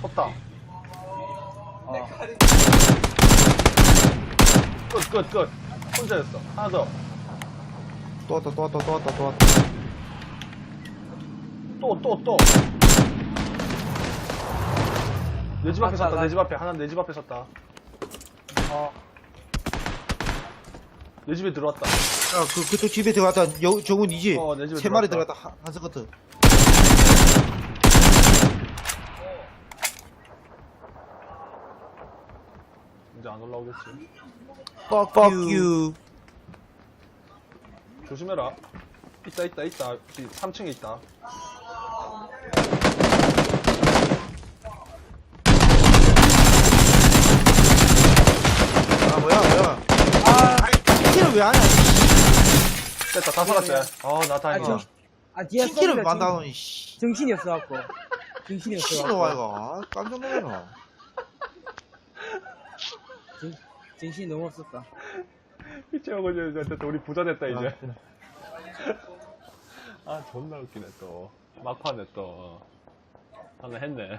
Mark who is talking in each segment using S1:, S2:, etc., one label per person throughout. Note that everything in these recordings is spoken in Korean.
S1: 섰다. 끝. 혼자였어. 하나 더.
S2: 또 왔다.
S1: 또. 내 집 앞에 섰다. 내 집 앞에. 하나 내 집 앞에 섰다. 내 집에 들어왔다.
S2: 야, 그쪽 집에 들어갔다. 저건 이지.
S1: 내 집에
S2: 세 마리
S1: 들어갔다.
S2: 들어갔다. 한 스커트.
S1: 이제 안 올라오겠지.
S2: Fuck you.
S1: 조심해라. 있다. 3층에 있다.
S2: 아, 뭐야. 팅키를 왜 하냐.
S1: 됐다. 다 살았지. 나 다행이다.
S3: 뒤에
S2: 팅키를
S3: 쏘니까
S2: 만다더니, 씨.
S3: 정신이 없어갖고.
S2: 씨로 와, 이거. 깜짝 놀라라.
S3: 정신이 너무 없었다.
S1: 이채하고 이제 우리 부자 됐다, 이제. 존나 웃기네, 또. 막판에 또. 하나 했네.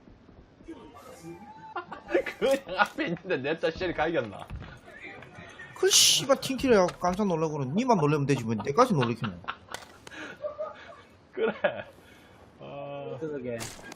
S1: 그냥 앞에 있는데 냅다 쉘이 갈겼나.
S2: 그 씨발 팅키를 해갖고 깜짝 놀라고는 니만 놀라면 되지 뭐 내까지 놀래키네.
S1: 그래.
S3: 그러게.